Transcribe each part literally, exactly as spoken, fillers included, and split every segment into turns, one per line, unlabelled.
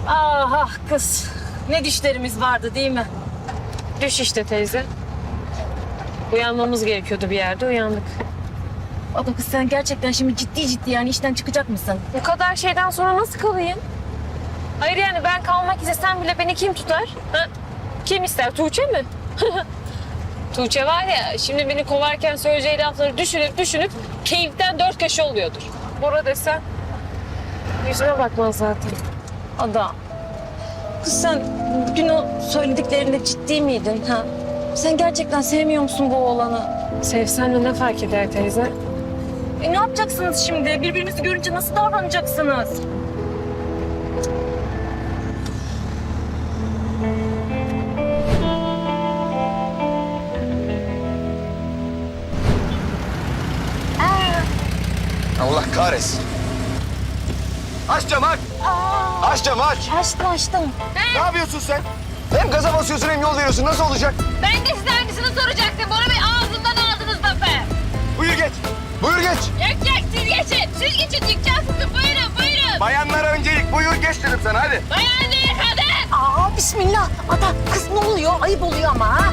Ah ah kız. Ne düşlerimiz vardı değil mi?
Düş işte teyze. Uyanmamız gerekiyordu bir yerde, uyandık.
Abla kız sen gerçekten şimdi ciddi ciddi yani işten çıkacak mısın?
Bu kadar şeyden sonra nasıl kalayım? Hayır yani ben kalmak istesem bile beni kim tutar? Ha? Kim ister? Tuğçe mi? Tuğçe var ya, şimdi beni kovarken söyleyeceği lafları düşünüp düşünüp keyiften dört köşe oluyordur. Bora desen yüzüme bakmaz zaten.
Ada. Kız sen dün o söylediklerinde ciddi miydin ha? Sen gerçekten sevmiyor musun bu oğlanı?
Sevsen de ne fark eder teyze?
E ne yapacaksınız şimdi? Birbirinizi görünce nasıl davranacaksınız?
Allah kahretsin. Aç camı aç. Aç camı aç.
Açtım açtım.
Ne yapıyorsun sen? Hem gaza basıyorsun hem yol veriyorsun. Nasıl olacak?
Ben de size aynısını soracaktım. Bora Bey ağzından aldınız lafı.
Buyur geç. Buyur geç.
Yok yok siz geçin. Siz geçin dükkan sizin. Buyurun buyurun.
Bayanlara öncelik. Buyur geç dedim sana hadi.
Bayan değil kadın.
Aa bismillah. Ada kız ne oluyor? Ayıp oluyor ama ha.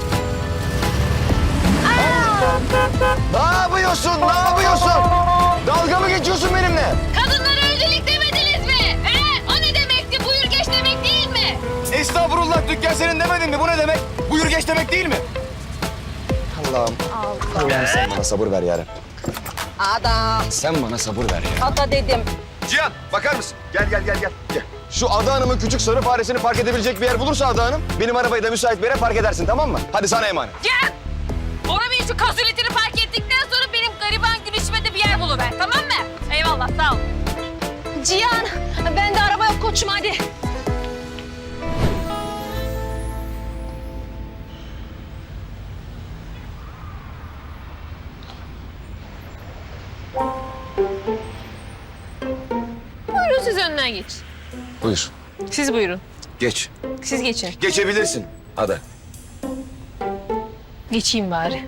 Ne yapıyorsun? Ne yapıyorsun? Dalga mı geçiyorsun benimle?
Kadınlara öncelik demediniz mi? He? O ne demekti? Buyur geç demek değil mi?
Estağfurullah dükkan senin demedin mi? Bu ne demek? Buyur geç demek değil mi? Allah'ım. Allah'ım sen bana sabır ver yarabbim.
Ada.
Sen bana sabır ver ya.
Ada dedim.
Cihan bakar mısın? Gel gel gel gel. Gel. Şu Ada Hanım'ın küçük sarı faresini park edebilecek bir yer bulursa Ada Hanım, benim arabayı da müsait bir yere park edersin, tamam mı? Hadi sana emanet.
Gel. Bora Bey şu kazuletini fark ettikten sonra benim gariban gülüşüme de bir yer buluver. Tamam mı? Eyvallah sağ ol.
Cihan ben de araba yok koçum hadi.
Buyurun siz önden geç.
Buyur.
Siz buyurun.
Geç.
Siz geçin.
Geçebilirsin Ada.
Geçeyim bari.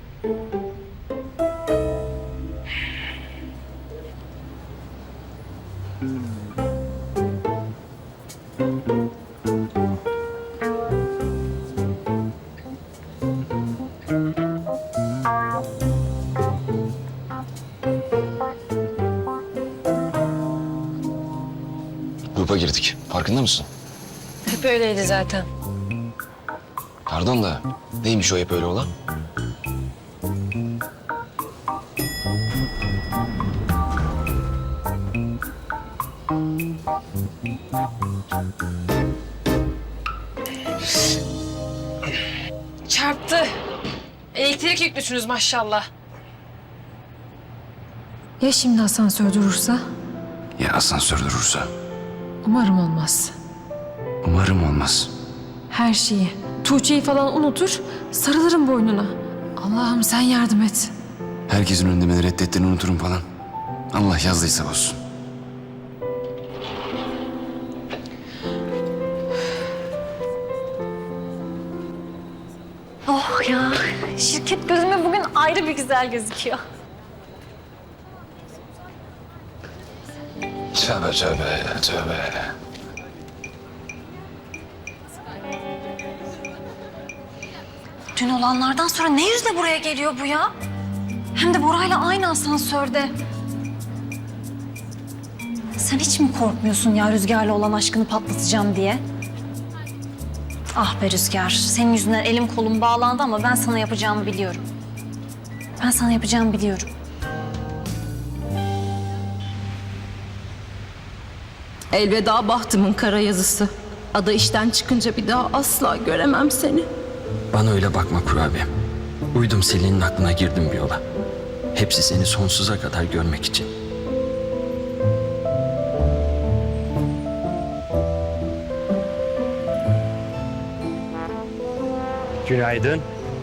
Grupa girdik. Farkında mısın?
Hep öyleydi zaten.
Pardon da neymiş o hep öyle olan?
Çarptı. Elektrik yüklüsünüz maşallah.
Ya şimdi asansör durursa?
Ya asansör durursa?
Umarım olmaz.
Umarım olmaz.
Her şeyi, Tuğçe'yi falan unutur, sarılırım boynuna. Allah'ım sen yardım et.
Herkesin önünde beni reddettiğini unuturum falan. Allah yazdıysa olsun.
Oh ya şirket gözüme bugün ayrı bir güzel gözüküyor.
Tövbe tövbe tövbe.
Dün olanlardan sonra ne yüzle buraya geliyor bu ya? Hem de Bora'yla aynı asansörde. Sen hiç mi korkmuyorsun ya Rüzgar'la olan aşkını patlatacağım diye? Ah be Rüzgar, senin yüzünden elim kolum bağlandı ama ben sana yapacağımı biliyorum. Ben sana yapacağımı biliyorum.
Elveda bahtımın kara yazısı. Ada işten çıkınca bir daha asla göremem seni.
Bana öyle bakma kurabiye. Uydum Selin'in aklına girdim bir yola. Hepsi seni sonsuza kadar görmek için.
Günaydın.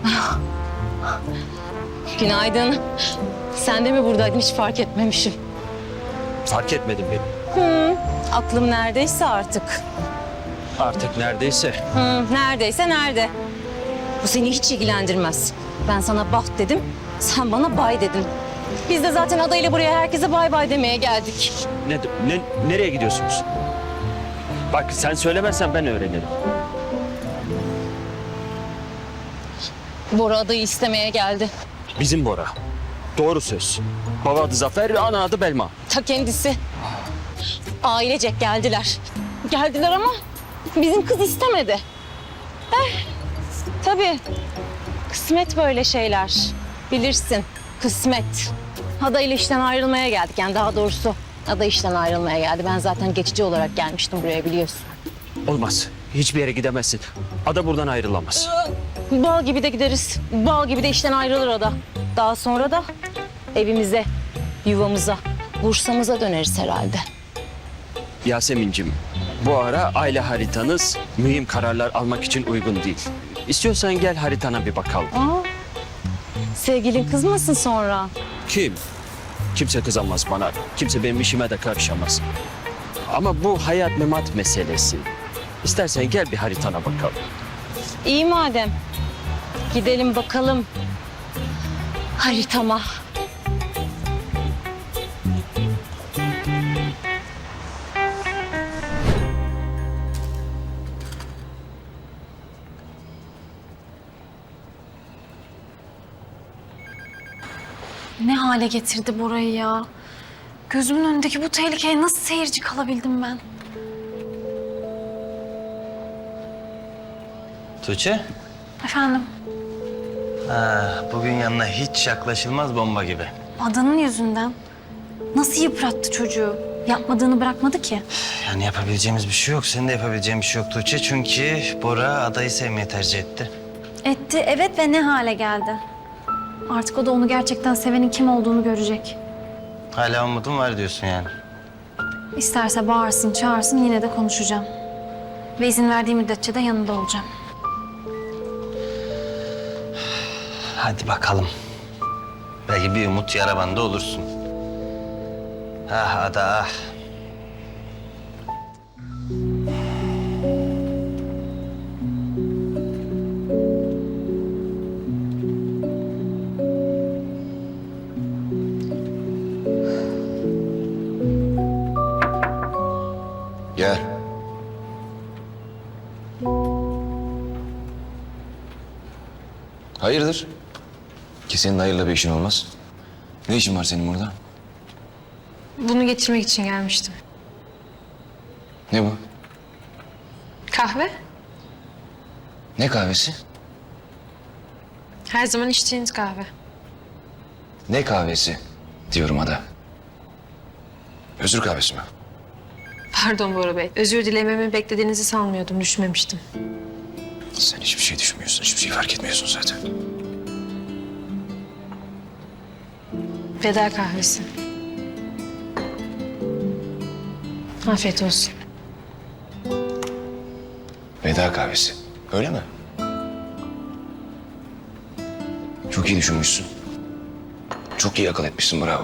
Günaydın. Sen de mi buradaydın hiç fark etmemişim.
Fark etmedim beni.
Aklım neredeyse artık.
Artık neredeyse.
Hı, neredeyse nerede? Bu seni hiç ilgilendirmez. Ben sana baht dedim, sen bana bay dedin. Biz de zaten adayla buraya herkese bay bay demeye geldik.
Ne, ne, nereye gidiyorsunuz? Bak sen söylemezsen ben öğrenirim.
Bora adayı istemeye geldi.
Bizim Bora. Doğru söz. Baba adı Zafer, ana adı Belma.
Ta kendisi. Ailecek geldiler. Geldiler ama bizim kız istemedi. Eh, tabii. Kısmet böyle şeyler. Bilirsin. Kısmet. Ada ile işten ayrılmaya geldik. Yani daha doğrusu Ada işten ayrılmaya geldi. Ben zaten geçici olarak gelmiştim buraya biliyorsun.
Olmaz. Hiçbir yere gidemezsin. Ada buradan ayrılamaz.
Bal gibi de gideriz. Bal gibi de işten ayrılır Ada. Daha sonra da evimize, yuvamıza, Bursa'mıza döneriz herhalde.
Yasemin'cim, bu ara aile haritanız mühim kararlar almak için uygun değil. İstiyorsan gel haritana bir bakalım.
Aa, sevgilin kızmasın sonra.
Kim? Kimse kızamaz bana. Kimse benim işime de karışamaz. Ama bu hayat memat meselesi. İstersen gel bir haritana bakalım.
İyi madem. Gidelim bakalım haritama.
Ne hale getirdi Bora'yı ya? Gözümün önündeki bu tehlikeye nasıl seyirci kalabildim ben?
Tuğçe,
Efendim,
ha, bugün yanına hiç yaklaşılmaz bomba gibi.
Adanın yüzünden nasıl yıprattı çocuğu? Yapmadığını bırakmadı ki.
Yani yapabileceğimiz bir şey yok. Senin de yapabileceğin bir şey yok Tuğçe. Çünkü Bora adayı sevmeyi tercih etti.
Etti, evet ve ne hale geldi? Artık o da onu gerçekten sevenin kim olduğunu görecek.
Hala umudum var diyorsun yani.
İsterse bağırsın, çağırsın yine de konuşacağım. Ve izin verdiği müddetçe de yanında olacağım.
Hadi bakalım. Belki bir umut yara bandı olursun. Ah ada ah.
Gel. Hayırdır? Ki senin hayırla bir işin olmaz. Ne işin var senin burada?
Bunu getirmek için gelmiştim.
Ne bu?
Kahve?
Ne kahvesi?
Her zaman içtiğiniz kahve.
Ne kahvesi diyorum Ada. Özür kahvesi mi?
Pardon Bora Bey. Özür dilememi beklediğinizi sanmıyordum. Düşmemiştim.
Sen hiçbir şey düşünmüyorsun, hiçbir şey fark etmiyorsun zaten.
Veda kahvesi. Afiyet olsun.
Veda kahvesi. Öyle mi? Çok iyi düşünmüşsün. Çok iyi akıl etmişsin, bravo.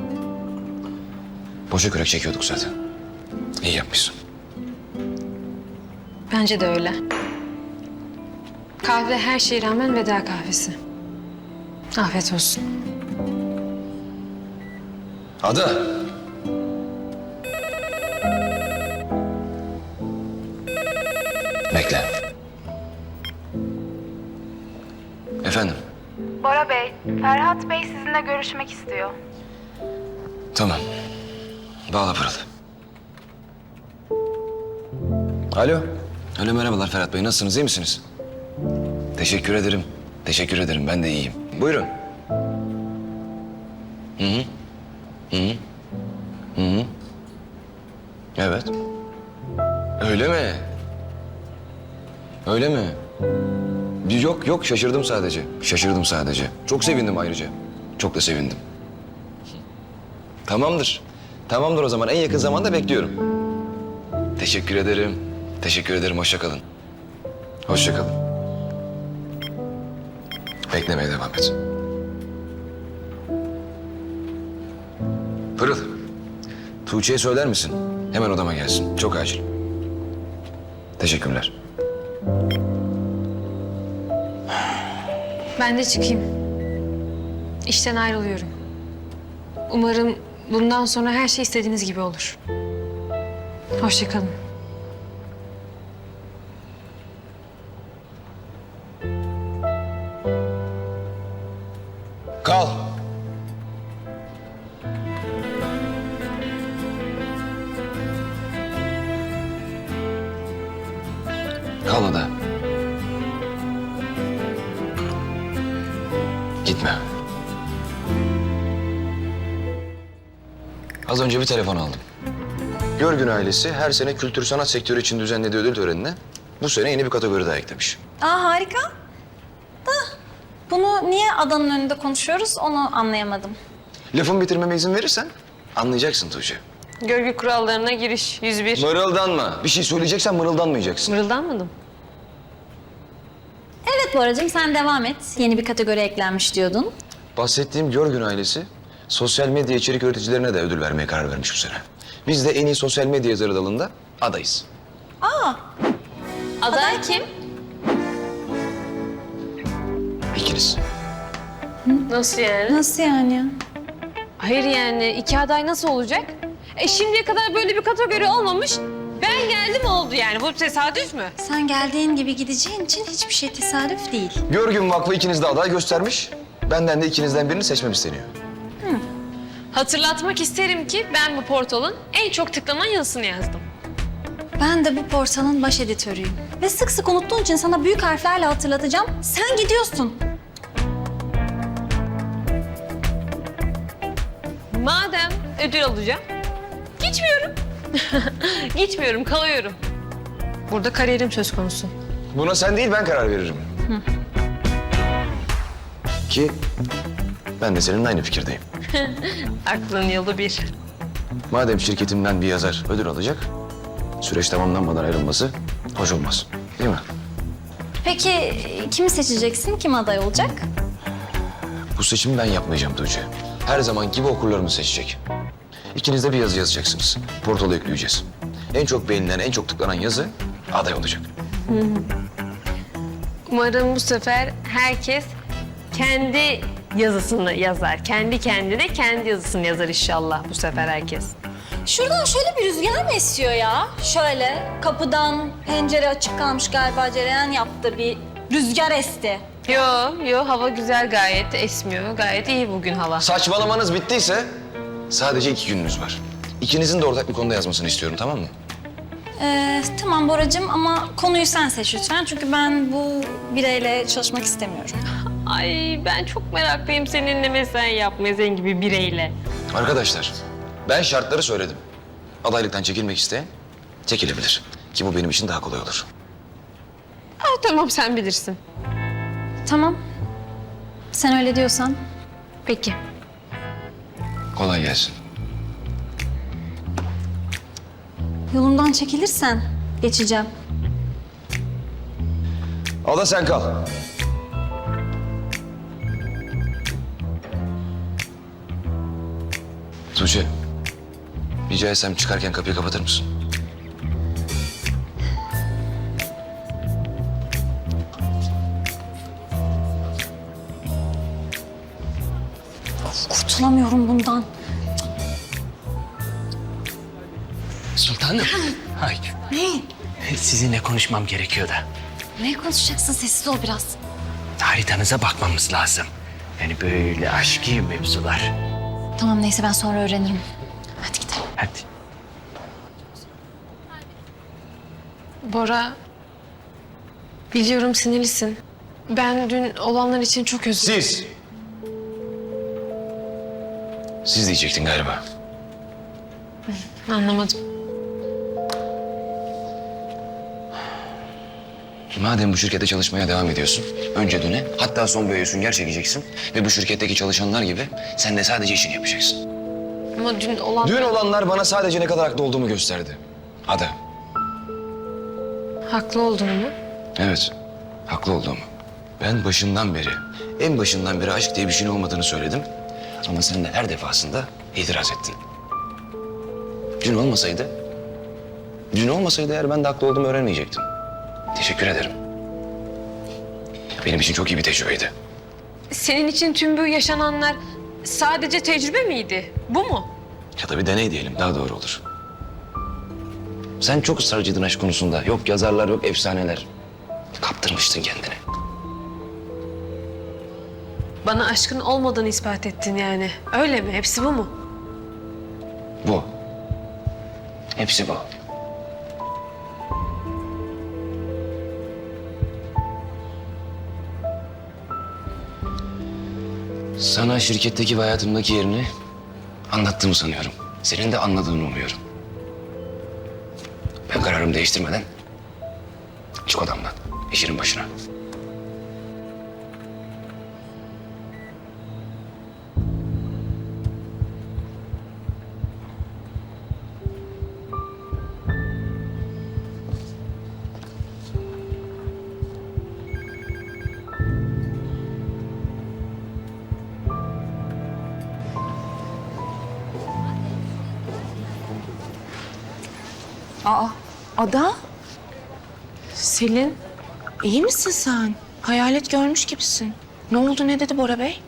Boşa kürek çekiyorduk zaten. İyi yapmışsın.
Bence de öyle. Kahve her şeye rağmen veda kahvesi. Afiyet olsun.
Ada. Bekle. Efendim?
Bora Bey, Ferhat Bey sizinle görüşmek istiyor.
Tamam. Bağla Pırıl. Alo. Alo merhabalar Ferhat Bey. Nasılsınız? İyi misiniz? Teşekkür ederim. Teşekkür ederim. Ben de iyiyim. Buyurun. Hı hı. Hı hı. Hı hı. Evet. Öyle mi? Öyle mi? Yok yok şaşırdım sadece. Şaşırdım sadece. Çok sevindim ayrıca. Çok da sevindim. Tamamdır. Tamamdır o zaman. En yakın zamanda bekliyorum. Teşekkür ederim. Teşekkür ederim. Hoşça kalın. Hoşça kalın. Beklemeye devam et. Pırıl. Tuğçe'ye söyler misin? Hemen odama gelsin. Çok acil. Teşekkürler.
Ben de çıkayım. İşten ayrılıyorum. Umarım bundan sonra her şey istediğiniz gibi olur. Hoşça kalın.
Kal ada. Gitme. Az önce bir telefon aldım. Görgün ailesi her sene kültür sanat sektörü için düzenlediği ödül törenine bu sene yeni bir kategori daha eklemiş.
Aa harika. Da bunu niye adanın önünde konuşuyoruz onu anlayamadım.
Lafımı bitirmeme izin verirsen anlayacaksın Tuğçe.
Görgü kurallarına giriş yüz bir.
Mırıldanma. Bir şey söyleyeceksen mırıldanmayacaksın.
Mırıldanmadım.
Evet Boracığım sen devam et. Yeni bir kategori eklenmiş diyordun.
Bahsettiğim Görgün ailesi sosyal medya içerik üreticilerine de ödül vermeye karar vermiş bu sene. Biz de en iyi sosyal medya yazarı dalında adayız.
Aday kim?
İkiniz.
Nasıl yani?
Nasıl yani ya?
Hayır yani iki aday nasıl olacak? E şimdiye kadar böyle bir kategori olmamış. Ben geldim oldu yani. Bu tesadüf mü?
Sen geldiğin gibi gideceğin için hiçbir şey tesadüf değil.
Görgün Vakfı ikiniz de aday göstermiş. Benden de ikinizden birini seçmem isteniyor.
Hatırlatmak isterim ki ben bu portalın en çok tıklanan yazısını yazdım.
Ben de bu portalın baş editörüyüm. Ve sık sık unuttuğun için sana büyük harflerle hatırlatacağım. Sen gidiyorsun.
Madem ödül alacağım, gitmiyorum. Gitmiyorum, kalıyorum. Burada kariyerim söz konusu.
Buna sen değil ben karar veririm. Ki ben de seninle aynı fikirdeyim.
Aklın yolu bir.
Madem şirketimden bir yazar ödül alacak, süreç tamamlanmadan ayrılması hoş olmaz. Değil mi?
Peki kimi seçeceksin? Kim aday olacak?
Bu seçimi ben yapmayacağım Tuğçe. Her zaman gibi okurlarımız seçecek. İkiniz de bir yazı yazacaksınız. Portala yükleyeceğiz. En çok beğenilen, en çok tıklanan yazı aday olacak.
Umarım bu sefer herkes kendi yazısını yazar. Kendi kendine kendi yazısını yazar inşallah bu sefer herkes.
Şuradan şöyle bir rüzgar mı esiyor ya? Şöyle kapıdan pencere açık kalmış galiba cereyan yaptı bir rüzgar esti.
Yo, yo hava güzel gayet esmiyor. Gayet iyi bugün hava.
Saçmalamanız bittiyse sadece iki gününüz var. İkinizin de ortak bir konuda yazmasını istiyorum, tamam mı?
Ee, tamam Boracığım ama konuyu sen seç lütfen. Çünkü ben bu bireyle çalışmak istemiyorum.
Ay ben çok meraklıyım seninle mesai yapmaya senin gibi bireyle.
Arkadaşlar, ben şartları söyledim. Adaylıktan çekilmek isteyen çekilebilir. Ki bu benim için daha kolay olur.
Ha, tamam sen bilirsin.
Tamam. Sen öyle diyorsan.
Peki.
Kolay gelsin.
Yolumdan çekilirsen geçeceğim.
Ada sen kal. Tuğçe, rica etsem çıkarken kapıyı kapatır mısın?
Kurtulamıyorum bundan.
Sultanım. Ay,
Ne?
sizinle konuşmam gerekiyor da.
Ne konuşacaksın? Sessiz ol biraz.
Haritanıza bakmamız lazım. Yani böyle aşkı mevzular.
Tamam neyse ben sonra öğrenirim. Hadi gidelim.
Hadi.
Bora, biliyorum sinirlisin. Ben dün olanlar için çok özür dilerim.
Siz. Siz diyecektin galiba.
Anlamadım.
Madem bu şirkette çalışmaya devam ediyorsun, önce döne, hatta son boyaya sünger çekeceksin ve bu şirketteki çalışanlar gibi sen de sadece işini yapacaksın.
Ama dün olan...
Dün olanlar bana sadece ne kadar haklı olduğumu gösterdi. Ada.
Haklı olduğunu mu?
Evet, haklı olduğumu. Ben başından beri, en başından beri aşk diye bir şeyin olmadığını söyledim. Ama sen de her defasında itiraz ettin. Dün olmasaydı, dün olmasaydı eğer ben de haklı olduğumu öğrenmeyecektim. Teşekkür ederim. Benim için çok iyi bir tecrübeydi.
Senin için tüm bu yaşananlar sadece tecrübe miydi? Bu mu?
Ya da bir deney diyelim, daha doğru olur. Sen çok ısrarcıydın aşk konusunda. Yok yazarlar, yok efsaneler. Kaptırmıştın kendini.
Bana aşkın olmadığını ispat ettin yani. Öyle mi? Hepsi bu mu?
Bu. Hepsi bu. Sana şirketteki ve hayatımdaki yerini anlattığımı sanıyorum. Senin de anladığını umuyorum. Ben kararımı değiştirmeden çık odamdan, işinin başına.
Aa, Ada,
Selin,
iyi misin sen? Hayalet görmüş gibisin. Ne oldu, ne dedi Bora Bey?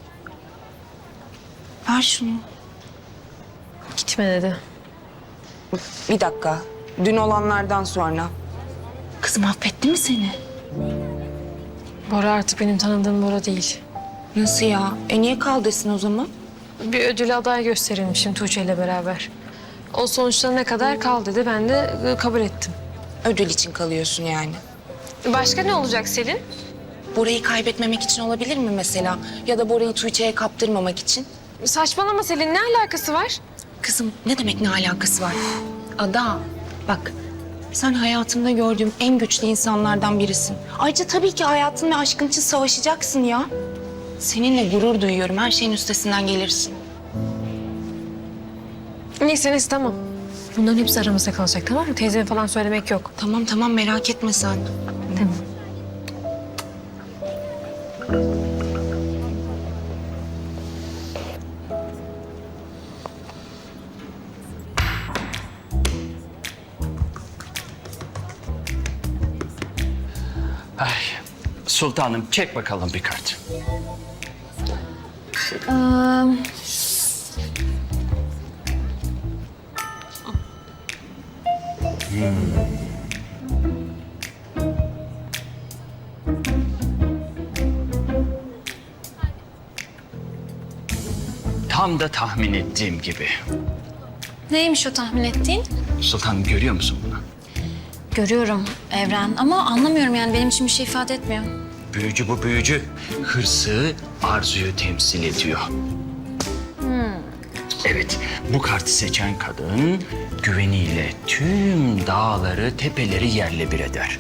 Ver şunu.
gitme dedi.
Bir dakika, dün olanlardan sonra. Kızım affetti mi seni?
Bora artık benim tanıdığım Bora değil.
Nasıl ya? E niye kal desin o zaman?
Bir ödül aday gösterilmişim Tuğçe ile beraber. O sonuçlarına kadar kal dedi. Ben de e, kabul ettim.
Ödül için kalıyorsun yani.
Başka ne olacak Selin?
Bora'yı kaybetmemek için olabilir mi mesela? Ya da Bora'yı Tuğçe'ye kaptırmamak için?
Saçmalama Selin, ne alakası var?
Kızım ne demek ne alakası var? Ada bak sen hayatımda gördüğüm en güçlü insanlardan birisin. Ayrıca tabii ki hayatın ve aşkın için savaşacaksın ya. Seninle gurur duyuyorum. Her şeyin üstesinden gelirsin.
Neyse neyse tamam. Bunların hepsi aramızda kalacak, tamam mı? Teyzeme falan söylemek yok.
Tamam tamam merak etme sen.
Tamam.
Ay, sultanım çek bakalım bir kart. Tam da tahmin ettiğim gibi.
Neymiş o tahmin ettiğin?
Sultanım görüyor musun bunu?
Görüyorum Evren ama anlamıyorum yani benim için bir şey ifade etmiyor.
Büyücü bu büyücü. Hırsı, arzuyu temsil ediyor. Evet, bu kartı seçen kadın güveniyle tüm dağları, tepeleri yerle bir eder.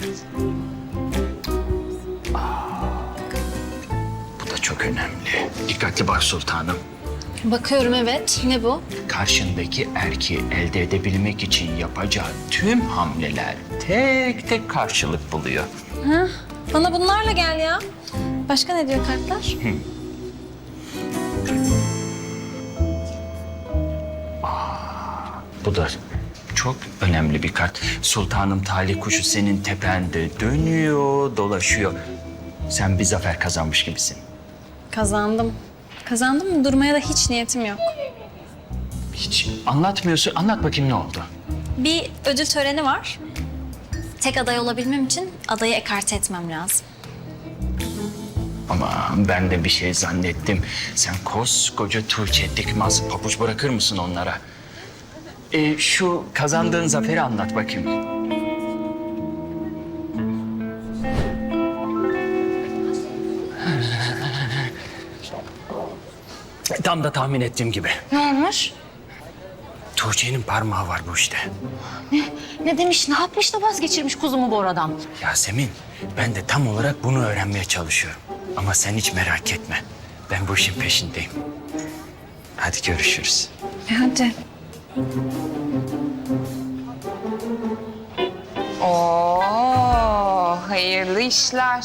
Aa, bu da çok önemli. Dikkatli bak sultanım.
Bakıyorum evet. Ne bu?
Karşındaki erkeği elde edebilmek için yapacağı tüm hamleler tek tek karşılık buluyor.
Bana bunlarla gel ya. Başka ne diyor kartlar?
Bu da çok önemli bir kart. Sultanım talih kuşu senin tepende dönüyor, dolaşıyor. Sen bir zafer kazanmış gibisin.
Kazandım. Kazandım mı durmaya da hiç niyetim yok.
Hiç anlatmıyorsun. Anlat bakayım ne oldu?
Bir ödül töreni var. Tek aday olabilmem için adayı ekarte etmem lazım.
Ama ben de bir şey zannettim. Sen koskoca Tuğçe Dikmaz pabuç bırakır mısın onlara? Ee, şu kazandığın zaferi anlat bakayım. Tam da tahmin ettiğim gibi.
Ne olmuş?
Tuğçe'nin parmağı var bu işte.
Ne demiş, ne yapmış da vazgeçirmiş kuzumu Bora'dan?
Yasemin, ben de tam olarak bunu öğrenmeye çalışıyorum. Ama sen hiç merak etme. Ben bu işin peşindeyim. Hadi görüşürüz.
E hadi. Oo, hayırlı işler.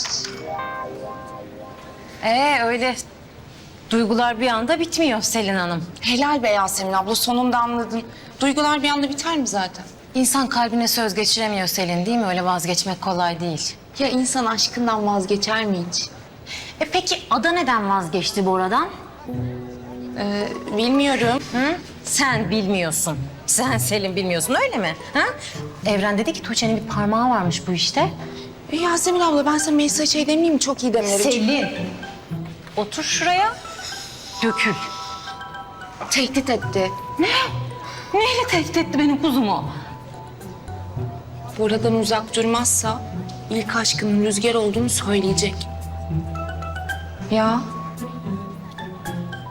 Ee öyle duygular bir anda bitmiyor Selin Hanım.
Helal be Yasemin abla sonunda anladın. Duygular bir anda biter mi zaten?
İnsan kalbine söz geçiremiyor Selin değil mi? Öyle vazgeçmek kolay değil.
Ya insan aşkından vazgeçer mi hiç?
E peki Ada neden vazgeçti Bora'dan?
Ee, bilmiyorum.
Hı? Sen bilmiyorsun. Sen Selin bilmiyorsun öyle mi? Ha? Evren dedi ki Tuğçe'nin bir parmağı varmış bu işte.
E, Yasemin abla ben sana Melisa'ya şey demeyeyim mi? Çok iyi demlerim.
Selin. Otur şuraya. Dökül.
Tehdit etti.
Neyle tehdit etti benim kuzumu?
Buradan uzak durmazsa ilk aşkının Rüzgar olduğunu söyleyecek.
Ya.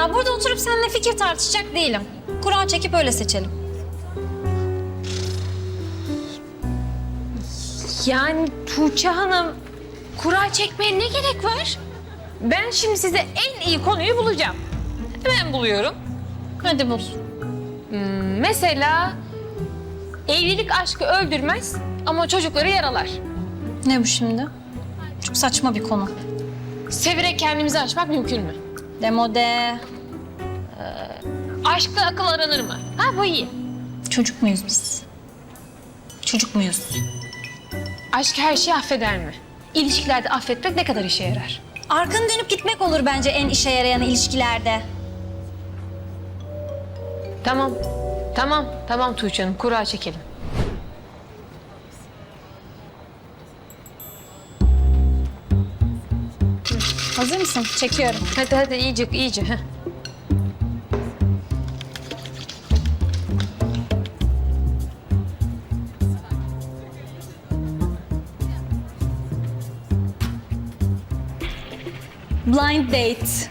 Ya burada oturup seninle fikir tartışacak değilim. Kura çekip öyle seçelim.
Yani Tuğçe Hanım, kura çekmeye ne gerek var? Ben şimdi size en iyi konuyu bulacağım. Hemen buluyorum.
Hadi bul.
Hmm, mesela evlilik aşkı öldürmez ama çocukları yaralar.
Ne bu şimdi? Çok saçma bir konu.
Severek kendimizi aşmak mümkün mü?
Demode.
Aşkla akıl aranır mı? Ha bu iyi.
Çocuk muyuz biz? Çocuk muyuz?
Aşk her şeyi affeder mi? İlişkilerde affetmek ne kadar işe yarar?
Arkanı dönüp gitmek olur bence en işe yarayan ilişkilerde.
Tamam, tamam, tamam Tuğçe Hanım, kura çekelim.
Hazır mısın? Çekiyorum.
Hadi hadi iyice, iyice. Heh.
Blind date.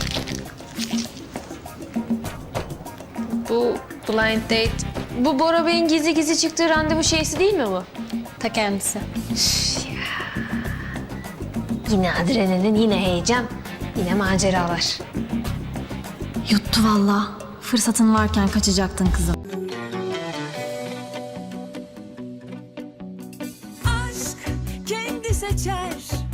Bu blind date. Bu Bora Bey'in gizli gizli çıktığı randevu şeysi değil mi bu?
Ta kendisi.
Yine adrenalin, yine heyecan, yine maceralar.
Yuttu vallahi. Fırsatın varken kaçacaktın kızım.
Aşk kendi seçer